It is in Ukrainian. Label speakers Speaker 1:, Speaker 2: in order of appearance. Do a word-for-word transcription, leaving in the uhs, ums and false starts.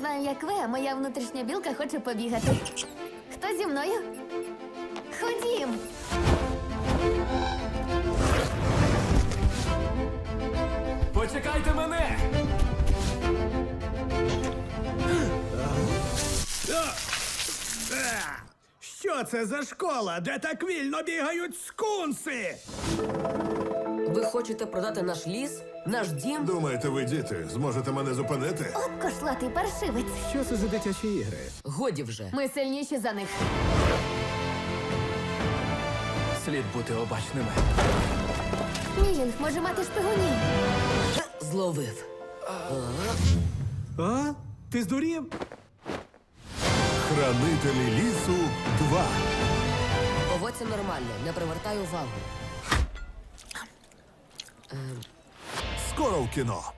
Speaker 1: знаю, як ви, а моя внутрішня білка хоче побігати. Хто зі мною? Ходім!
Speaker 2: Почекайте мене!
Speaker 3: Що це за школа, де так вільно бігають скунси?
Speaker 4: Ви хочете продати наш ліс? Наш дім?
Speaker 5: Думаєте, ви діти, зможете мене зупинити?
Speaker 1: От кошлатий паршивець.
Speaker 3: Що це за дитячі ігри?
Speaker 4: Годі вже.
Speaker 1: Ми сильніші за них.
Speaker 2: Слід бути обачними.
Speaker 1: Мілінг може мати шпигунів.
Speaker 4: Зловив.
Speaker 3: А? Ти здурів?
Speaker 5: Хранителі лісу два.
Speaker 4: Поводься нормально, не привертай увагу.
Speaker 5: Скоро в кіно.